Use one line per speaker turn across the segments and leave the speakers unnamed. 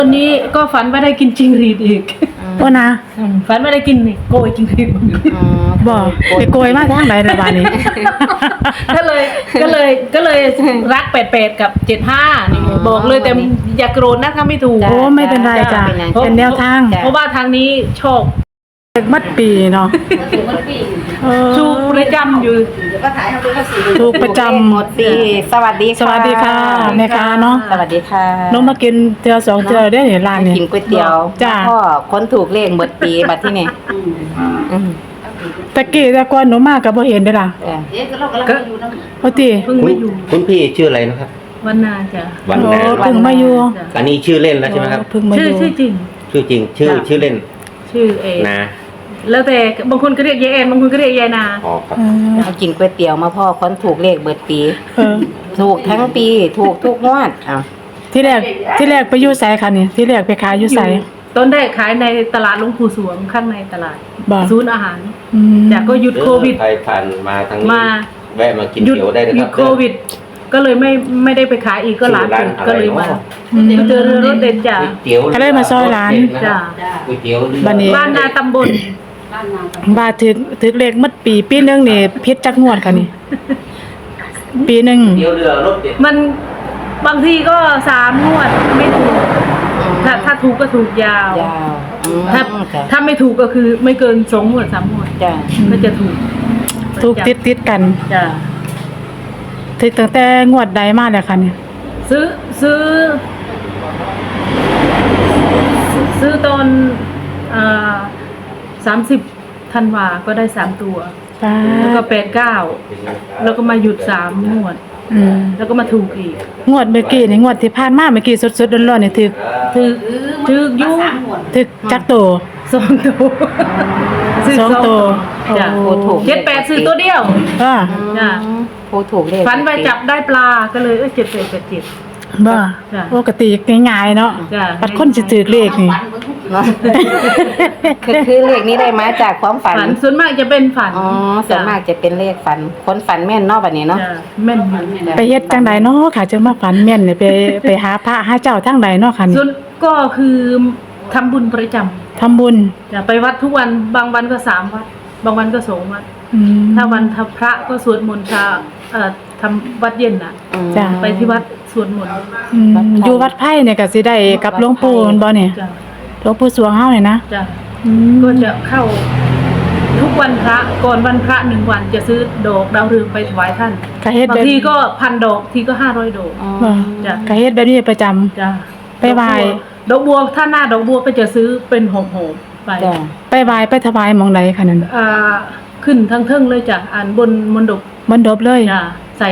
วันนี้ก็ฝันว่าได้กินจิงหรีดอีก
ว่านะ
ฝันว่าได้กินนี่โกยจิงหรีด
บอกไปโกยมาทางไหนในบ้านนี้
ก็เลยรัก88กับ75นี่บอกเลยแต่อย่าโกรธนะถ้าไม่ถูก
โอ้ไม่เป็นไรจ้ะเป็นแนวทาง
เพราะว่าทางนี้โชค
มัดปีเนาะ
ถูกประจำอยู่
ถูกประจำ
หมดปีสวัสดีค่ะ
สวัสดีค่ะแม่ค้าเนาะ
สวัสดีค่ะ
น้องมากินเทือ2เทือได้เห็นร้านนี่
กินก๋วยเตี๋ยว
จ้ะ
พ่อคนถูกเลขหมดปีบัดที่นี่
ตะกี้แต่ก่อนหนูมาก็บ่เห็นเด้อล่ะ
ก็
พอติ
เพิ่งมาอยู่
คุณพี่ชื่ออะไรนะครับ
วันนาจ้ะ
วัน
โอ้
นา
เพิ่งมาอยู่
อันนี้ชื่อเล่นแล้วใช่ไหมครับ
เพิ่งมาอ
ชื่อยู่ ชื่อจริง
ชื่อจริงชื่อเล่น
ชื่อเอง
นะ
แล้วแต่บางคนก็เรียกยายแอนบางคนก็เรียกยายนา
อ๋อครับ
มากินก๋วยเตี๋ยวมาพ่อคนถูกเลขเบิดปี
เออ
ถูกทั้งปีถูกทุกงวดอ้าว
ที่แรกไปอยู่ไสค่ะนี่ที่แรกไปขายอยู่ไส
ต้นแรกขายในตลาดหลวงปู่สวงข้างในตลาด
บ่
ศูนย์อาหาร
อืม
แต่ก็หยุดโควิด
ใครผ่านมาทางนี้
มา
แวะมากิน
หยุด
เตี๋ยวได้เลย
ห
ค
ยุ
รั
ด
บ
โควิด ก็เลยไม่ได้ไปขายอีกก็ร้าน
ชื่อ
เปิดก็เลยมา
อืม
เจอรถเด็ดจ้ะ
ก๋วยเตี๋ยว
ก็เลยมาซอยร้าน
จ้ะ
ก๋วยเตี๋ยวเรือ
บัดนี้
บ้านนาตำบล
ว่าถึกเลขมัดปีนึงนี่พิษจักงวดค่ะนี่ ปีนึง
ก๋วยเตี๋ยวเรือรสเด็ด
มันบางทีก็3 งวดไม่ถูกถ้าถูกก็ถูกยาว
ยาว
ถ้า
จ้ะ
ถ้าไม่ถูกก็คือไม่เกิน2 งวด3 งวด
จ้ะ
ก็จะถูก
ถูกติดกัน
จ้ะ
ถึกตั้งแต่งวดใดมาแล้วค่ะนี่
ซื้อตอน30 ธันวาก็ได้3 ตัว
ป้า
แล้วก็89แล้วก็มาหยุด3 งวด
อืม
แล้วก็มาถูกอีก
งวดเมื่อกี้นี่งวดที่ผ่านมาเมื่อกี้สดๆร้อนๆนี่ถึก
ถืออยู
ถึกจักโต
2 ตัวซื้อ
สองตัว
จ้ะ
โอ้
ถูก
78ซื้อตัวเดียว
ว่า
จ้ะ
ผู้ถูกเลข
ฝันไปจับได้ปลาก็เลย7887
บ่
จ้ะ
ปกติง่ายๆเนาะ
จ้ะ
ปัดคนสิถึกเลขนี่
เนาะคือเลขนี้ได้มาจากความฝัน
ฝันส่วนมากจะเป็นฝัน
อ๋อส่วนมากจะเป็นเลขฝันคนฝันแม่นเนอกแบบนี้เนาะ
จ้ะแม่นอยู่
ไปเฮ็ดจังไดเนาะค่ะจังมาฝันแม่นนี่ไปหาพระหาเจ้าทางใดเนาะค่ะนี่
ส่วนก็คือทำบุญประจำ
ทำบุญ
จะไปวัดทุกวันบางวันก็3 วัด บางวันก็2 วัด
อืม
ถ้าวันทำพระก็สวดมนต์เช้าทำวัดเย็นน่ะ
จ้ะ
ไปที่วัดสวดมนต์
อืมอยู่วัดไผ่เนี่ยก็สิได้กับหลวงปู่แม่นบ่เนี่ย
จ้ะ
หลวงปู่สวงเฮาเนี่ยนะ
จ้ะ
อืม
ก็จะเข้าทุกวันพระก่อนวันพระ1 วันจะซื้อดอกดาวเรืองไปถวายท่าน
ก็เฮ็ด
บาง
แบบ
ทีก็1,000 ดอกทีก็500 ดอก
บ่
จ้ะ
ก็เฮ็ดแบบนี้ประจำ
จ้ะ
ไปไหว้
ดอกบัวถ้าหน้าดอกบัวก็จะซื้อเป็นหอมๆไป
จ้ะ
ไปไหว้ไปถวายหม่องใดค่ะนั่น
ขึ้นทั้งเทิงเลยจ้ะบนมณฑป
มันดบเลย
จ้ะใส่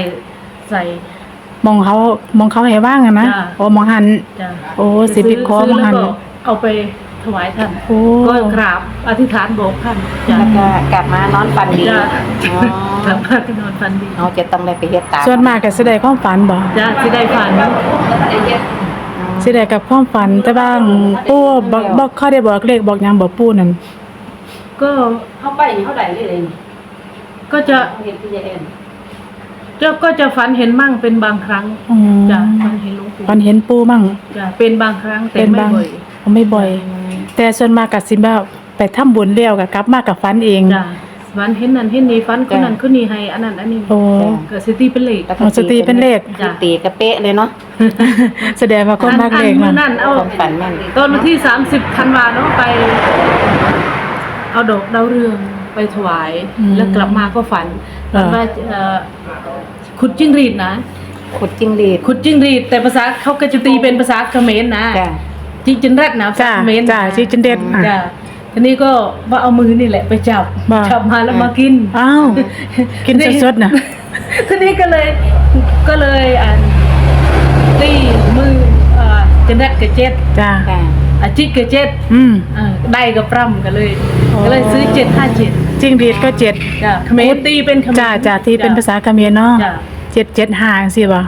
มองเขาให้ว่างอะนะ
จ้ะ
โอ้มองหัน
จ้ะ
โอ้สิไปขอ
ซื้
มองหัน
แล้วก็เอาไปถวายท่าน
โอ้
ก็กราบอธิษฐานบอกท่านจ้ะ
แล้วก็กลับมานอนฝันดี
จ้ะ
อ๋อก
ลับมาก็นอนฝันดี
เราจะต้องได้ไปเฮ็ดตาม
ส่วนมากก็สิได้ความฝันบ่
จ้ะที่ได้ฝัน
สิได้กับความฝันแต่ว่าปู่บ่เขาได้บอกเลขบอกหยังบ่ปู่นั่น
ก็
เข้าไปนี่เขาได้เลย
ก็จะ
เห็นพี่เอ็น
ก็จะฝันเห็นมั่งเป็นบางครั้ง
อืม
จ้ะฝันเห็นหลวงปู่
ฝันเห็นปู่มั่ง
จ้ะเป็นบางครั้งแต่
เป็น
ไม่
บาง
บ่อย
ไม่บ่อย แต่ส่วนมากก็สิแบบไปทำบุญแล้วก็กลับมากับฝันเอง
จ้ะฝันเห็นนั่นเห็นนี่ฝันคนนั้นคนนี้ให้อันนั้นอันนี้
โอ้
ก็สิตีเป็นเลข
แล้วก็
อ๋อสติเป็นเลข
จ้ะ
ตีกระเป๊ะเลยเนาะ
แสดงว่าคนมากเลข
อั
นั่น
นั่นเอา
ความฝันแม่น
ตอนวันที่30 ธันวาเนาะไป เอาดอกดาวเรืองไปถวาย แล้วกลับมาก็ฝันว่าขุดจิ้งหรีดนะ
ขุดจิ้งหรีด
ขุดจิ้งหรีดแต่ภาษาเขาก็จะตีเป็นภาษาเขมรนะ
จ้ะ
จิจินแรดนะภาษา
จ้า
เขมร
จ้าชื่อจันเด็ด
จ้าทีนี้ก็ว่าเอามือนี่แหละไปจับ
บ้า
จับมาแล้วมากิน
อ้าวกินสดๆน่ะ
ทีนี้ก็เลยตีมือจันแรดกับเจ็ด
จ้า
ค่ะ
จิกกับเจ็ด
อืม
ได้กับปร่ำกันเลย
อ๋อ
ก็เลยซื้อ757
จริงดีดก็7
จ้าเขมรตีเป็นเขมร
จ้าที่เป็นภาษาเขมรเนาะ
จ้า
775จังซี่บ่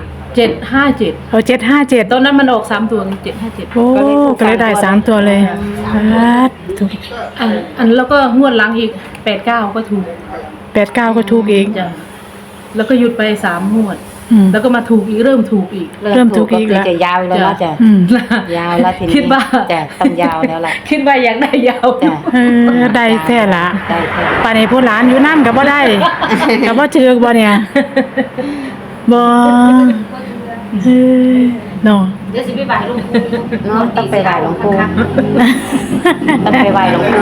757
เอา757
ตอนนั้นมันออก3 ตัว757
โอ้ก็เลยได้3ตัวเลยครับถูก
อันแล้วก็งวดหลังอีก89ก็ถูก
89ก็ถูกอีก
จ้ะแล้วก็หยุดไป3 งวดแล้วก็มาถูกอีกเริ่มถูกอีก
เริ่มถูกอีกแล้ว
จะยาวแล้วเนาะจ้ะ
อืม
ยาวแล้วทีนี้
คิดว่า
จ้ะต้องยาวแล้วล่ะ
คิดว่าอยากได้ยาว
จ้ะ
ได้แท้ละ
ได้แท้
ป่านนี้ผู้หลานอยู่นำก็บ่ได้ ก็บ่ถือกบ่เนี่ยบ่เฮ้ยเนาะ
เดี๋ยวสิไปบ่ายหลวงปู่
เนาะต้องไปไหว้หลวงปู่ต้องไปไหว้หลวงปู่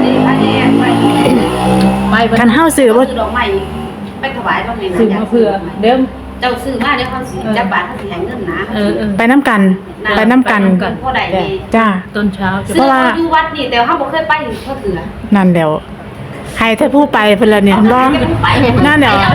ไป
คันเฮาซื้อบ่
ซื้อดอกไม้ไปถวายตรงนี้
ซื้อมาเพื่อเดี๋ยว
เจ้าซื้อมาเดี๋ยวเขาสิจับบาทเขาสิให้เงินนะ
ไปนํกันไปนํกัน
พ่อใดนี่
จ้า
ตอนเช้าจะ
ซื้อเขาอยู่วัดนี่แต่เขาบ่เคยไปเขาถือ
นั่นแหล้วให้ถ้าผู้ไปเพิ่นละเนี่ยบ่นั่นแหล้ว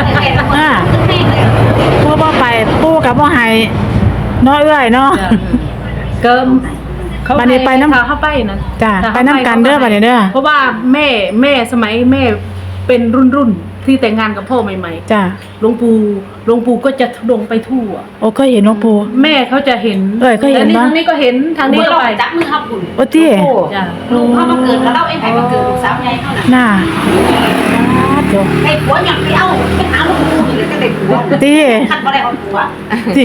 ผู้บ่ไปปู่ก็บ่ให้เนาะเอ้ยเนาะ
เกิมเขา
บัดนี้ไปน้ำ
เข้าไปนะ
จ้ะไปน้ำกันเด้อบัดนี้เด้อ
เพราะว่าแม่สมัยแม่เป็นรุ่นที่แต่งงานกับพ่อใหม่
จ้า
ๆหลวงปู่ก็จะทุดงไปทั่ว
โอ้เคยเห็นหลวงปู่
แม่เขาจะเห็น
เคยเห็น
แต่
ปะ
ทางนี้ก็เห็นทางนี้
เมื่อ
ก็
เรา
ไป
จับมือเขาบุญ
โอ้ติ
จ้ะ
ลูกเขามาเกิดกับเราเองให้มาเกิดลูกสาวใหญ่เขาน่ะ
น่าโต
ให้ผัวอย่างไปเอาไปหาหลวงปู่นี่เลยก็ได้ผัว
ติ
คันบ่ได้เอาผัว
ติ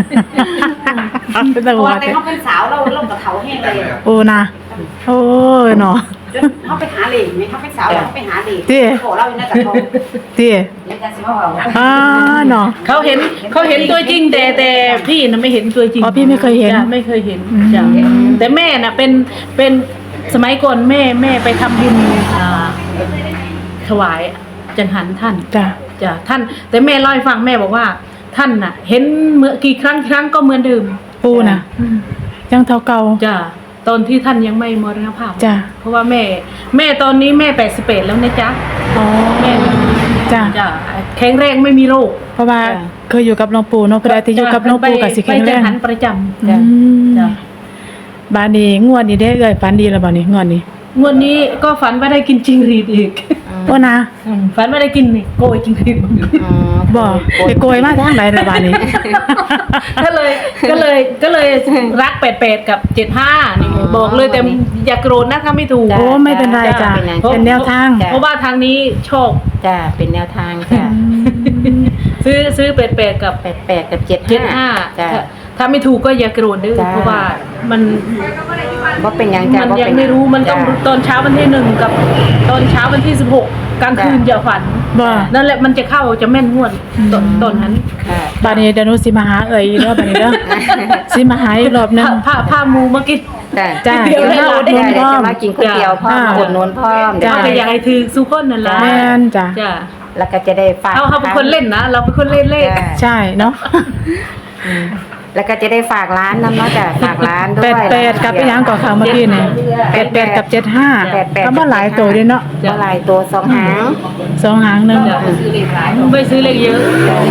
เป็นตะ
เพราะ
วั
ว่า
ด
แต่เขาเป็นสาวเราก็เฒ่าแห้งเลย
โอ้นะโอ้ยเนาะ
เขาไปหาเหล็กไหมเขาเป็นสาวแล้วเขาไปหาเหล็ก
ติ
ขอเราอยู่ในกระทง
ติ
แล้วจะสิมาเอา
เนาะ
เขาเห็นตัวจริงแต่พี่น่ะไม่เห็นตัวจริง
อ๋อพี่ไม่เคยเห็น
จ้ะไม่เคยเห็น
อืม
จ้ะแต่แม่น่ะเป็นสมัยก่อนแม่ไปทำบุญถวายจังหันท่าน
จ้า
จ้ะท่านแต่แม่เล่าให้ฟังแม่บอกว่าท่านน่ะ เห็นเมื่อกี่ครั้งก็เหมือนเดิม
ปู่น่ะยังเท่าเก่า
จ้ะตอนที่ท่านยังไม่มรณภาพ
จ้ะ
เพราะว่าแม่ตอนนี้แม่81แล้วนะจ๊ะ
อ๋อ
แม่
จ้า
จ้ะแข็งแรงไม่มีโรค
เพราะว่าเคยอยู่กับหลวงปู่เนาะเพิ่นได้ที่อยู่กับหลวงปู่ก็สิแข็งแร
ไปจั
ง
หันประจำ
อืม
จ้ะ
บาดนี้งวดนี้ได้เอ้ยฝันดีแล้วบ่นี่งวดนี้
งวดนี้ก็ฝันว่าได้กินจิงหรีดอีก
โอ้นะ
ฝันว่าได้กินนี่โกยจิงหรีด
บ่ไปโกยมาทางไหนล่ะบาดนี้
ก็เลยรัก88กับ75นี่บอกเลยแต่อย่าโกรธนะถ้าไม่ถูก
โอ้ไม่เป็นไรจ้ะเป็นแนวทาง
เพราะว่าทางนี้ชอบ
จ้ะเป็นแนวทางจ้ะ
ซื้อ88กับ
88กับ75
75
จ้ะ
ถ้าไม่ถูกก็อย่าโกรธเด้อ
จ้ะ
เพราะว่ามัน
บ่เป็นหยังจ้ะ
มัน
บ่
ยัง
เป็น
ไม่รู้มันต้อง
จ้ะ
ตอนเช้าวันที่1กับตอนเช้าวันที่16กลางคืนอย่าฝัน
บ่
นั่นแหละมันจะเข้าจะแม่นงวดตอนนั้น
ค่ะ
บาดนี้เดี๋ยวหนูสิมาหาเอ่ยอีกรอบบัดนี้เด้อ สิมาหาอีกรอบหนึง
ผ้ามูมากิน
จ้ะ
จ้ะ
เดี๋ยว
เดี๋ยว
เรา
เรา
เดี๋ยว
พร้อม
จะมากินก๋วยเตี๋ยวพร้อม
อ่า
อุดหนุนพร้อม
จ้ะ
ก็อยากให้ถือสุคนนั่นล่ะ
แม่นจ้ะ
จ้ะ
แล้วก็จะได้ฝาก
เขาเป็นคนเล่นนะ เราเป็นคนเล่นเลข
จ้ะ
ใช่เนาะ
แล้วก็จะได้ฝากร้านน้ำเนาะจ้ะฝากร้านด้วย
88กับอีหยังก่อนค่ะเมื่อกี้นี่88กับ75ก็บ่หลายตัวเด้เนาะ
เท่าไหร่ตัวสองหาง
สองหางหนึง
ไม่ซื้อเลขเยอะ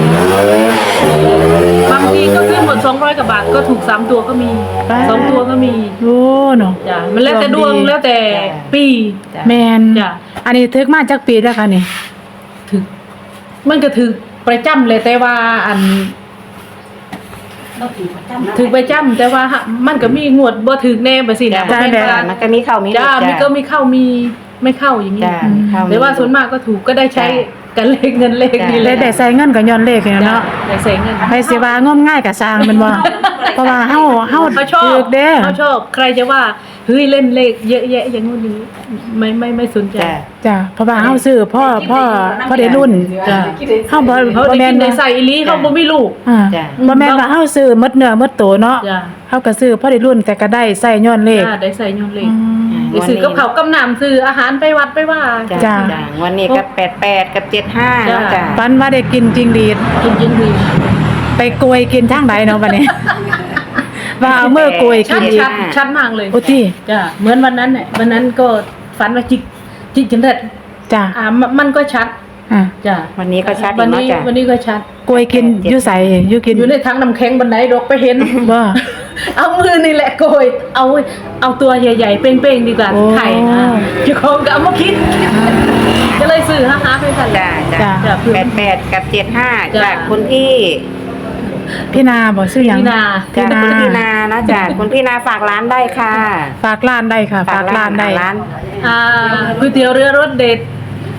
บางทีก็ซื้อหมด200กว่าบาทก็ถูก3ตัวก็มี2ตัวก็มี
โอ้เนาะ
จ้ะมันแล้วแต่ดวงแล้วแต่ปี
จ้ะ
แม่น
จ้ะ
อันนี้ถึกมาจากปีแล้วค่ะนี่
ถึกมันก็ถือประจำเลยแต่ว่าอัน
เราถือประจำนะ
ถือประจำแต่ว่ามันก็มีงวดบ่ถือแน่บ่สินะ
จ้ะ
บ่แม่นว่า
มันก็มีเข้ามี
จ้ามีก็มีเข้ามีไม่เข้าอย่างนี้
จ้ะมีเข้ามี
แต่ว่าส่วนมากก็ถูกก็ได้ใช้กันเลขเงินเลข
จ้ะ
นี่แห
ได้
ละ
ได้ใส่เงินก็ย้อนเลขนี่
จ้ะ
เนาะ
ได้ใส่เงิน
ไปสิว่างมง่ายก็สร้างแมันบ่เพราะว่าเฮา
เขาชอบ
ถูกเด้
เขาชอบใครจะว่าเฮ้ยเล่นเลขเยอะแยะอย่างงู้นนี้ไม่สนใจ
จ้ะ
จ้ะเพราะว่าเฮาซื้อพ่อได้รุ่น
จ้ะ
เฮาบ่
เขา
บ่
ได้
แม่
กิ
น
นได้
ว่า
ใส่อีหลีเขาบ่มีลูก
อ่า
จ้ะ
บ่แม่นว่าเฮาซื้อหมดเนื้อหมดตัวเนาะ
จ้ะ
เฮาก็ซื้อพ่อได้รุ่นแต่ก็ได้ใส่ย้อนเลข
จ้าได้ใส่ยนเล
อื
ข
ม
ได้ซื้อกับเขาวกับน้ำซื้ออาหารไปวัดไปว่า
จ้ะ
จ้ะ
จ้ะวันนี้ก็88กับ75เนาะจ้ะ
ฝันว่าได้กินจริงดีด
กินยิงดี
ไปโกยกินทางใดเนาะบัดนี้ ว่าเอามือโกย
ชั
กิ
ด
นอีก
ชัดมากเลย
โอ้ติ
จ้ะเหมือนวันนั้นเนี่ยวันนั้นก็ฝันว่าจิกจนเด็ด
จ้ะ
มันก็ชัด
อ่า
จ้ะ
วันนี้ก็ชัดอี
วั
ก
น
เนาะ
นี้
จ้ะ
วันนี้ก็ชัด
โกยกินอยู่ไสอยู่กิน
อยู่ในถังน้ำแข็งบันไดดอกไปเห็น
บ่
เอามือนี่แหละโกยเอาตัวใหญ่ๆเป้งๆดีกว่า
โอ้
ไข่นะเจ้าของก็เอามาคิด ก็เลยซื้อฮาๆไปกัน
จ้ะจ้ะ
จ้ะ
จ้ะ
88กับ75
จ้ะ
จากคุณพี่
พี่นาบ่ซื้อหยัง
พี่นา
จาก
พี่นา
คุณพี่นานะจ้ะคุณพี่นาฝากร้านได้ค่ะ
ฝากร้านได้ค่ะ ฝากร้านได้
ร้าน
ก๋วยเตี๋ยวเรือรสเด็ด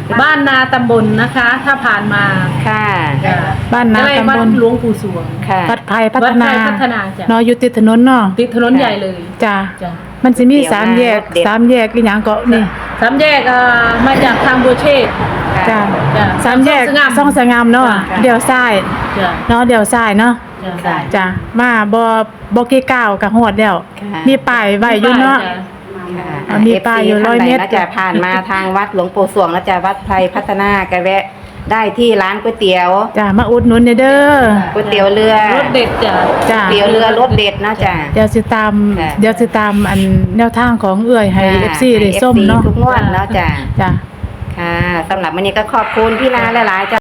บ้านนาตำบลนะคะ ถ้าผ่านมา
ค่ะ
จ้ะ
บ้านนา
ใกล้
ตำ
วัด
บล
หลวงปู่สวง
ค่ะ
วัดไผ่พั
วั
ฒ
ดไท
นาย
พัฒนาจ้ะ
เนาะอยู่ติดถนนเนาะ
ติดถนนใหญ่เลย
จ้ะ
จ้ะ
มันสิมี
เดี๋ยว
สามแยก
เด็ด
สามแยกอีหยังก็นี่
สามแยกมาจากทางบัวเชษฐ์
จ้ะ
จ้ะ
สามแยก
ซ่องสงาม
ซ่องสงามเนาะ
จ้ะ
เดี๋ยวซ้าย
จ้ะ
เนาะเดี๋ยวซ้ายเนาะ
จ้ะ
จ้ะมาบ่กี่ก้าวก็ฮอดแล้ว
ค่ะ
มีป้ายไว้อยู่เนาะ
จ้
อ่ะมีป้ายอยู่
FC
100 เมตร
ท่านใดน่าจะผ่านมาทางวัดหลวงปู่สวงแล้วจะวัดไพรพัฒนาก็แวะได้ที่ร้านก๋วยเตี๋ยว
จ้ะมาอุดหนุนเด้อ
ก๋วยเตี๋ยวเรือ
รถเด็ดจ้ะ
จ้ะ
ก๋วยเตี๋ยวเรือรสเด็ดเนาะจ้ะ
เดี๋ยวสิตาม
ค่ะ
เดี๋ยวสิตามอันแนวทางของเอื้อยให้ FC ได้ส้ม
ให้ FC
เนาะ
ทุกงวดเนาะจ้ะ
จ้ะ
ค่ะสำหรับวันนี้ก็ขอบคุณพี่นาหลายๆจ้ะ